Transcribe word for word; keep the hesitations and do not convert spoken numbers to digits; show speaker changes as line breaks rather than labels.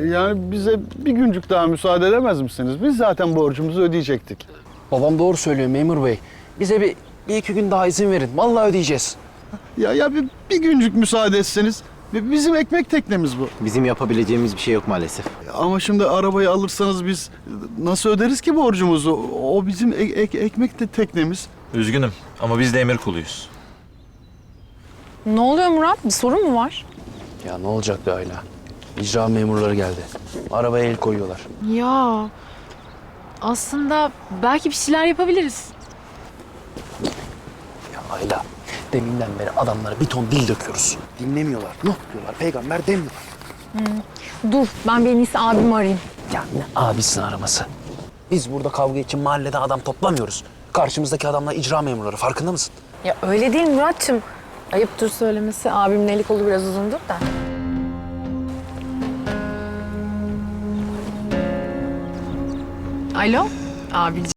Yani bize bir güncük daha müsaade edemez misiniz? Biz zaten borcumuzu ödeyecektik.
Babam doğru söylüyor memur bey. Bize bir, bir iki gün daha izin verin. Vallahi ödeyeceğiz.
Ya ya bir, bir güncük müsaade etseniz. Bizim ekmek teknemiz bu.
Bizim yapabileceğimiz bir şey yok maalesef.
Ama şimdi arabayı alırsanız biz nasıl öderiz ki borcumuzu? O bizim ek, ek, ekmek de teknemiz.
Üzgünüm ama biz de emir kuluyuz.
Ne oluyor Murat? Bir sorun mu var?
Ya ne olacaktı Ayla? İcra memurları geldi. Arabaya el koyuyorlar.
Ya aslında belki bir şeyler yapabiliriz.
Ya Ayla, deminden beri adamlara bir ton dil döküyoruz. Dinlemiyorlar. Nuh diyorlar, peygamber demiyorlar.
Dur ben bir en iyisi abimi arayayım.
Ya ne abisin araması? Biz burada kavga için mahallede adam toplamıyoruz. Karşımızdaki adamlar icra memurları, farkında mısın?
Ya öyle değil Murat'cığım. Ayıptır söylemesi. Abimin eli kolu biraz uzundur da. Alo, abiciğim.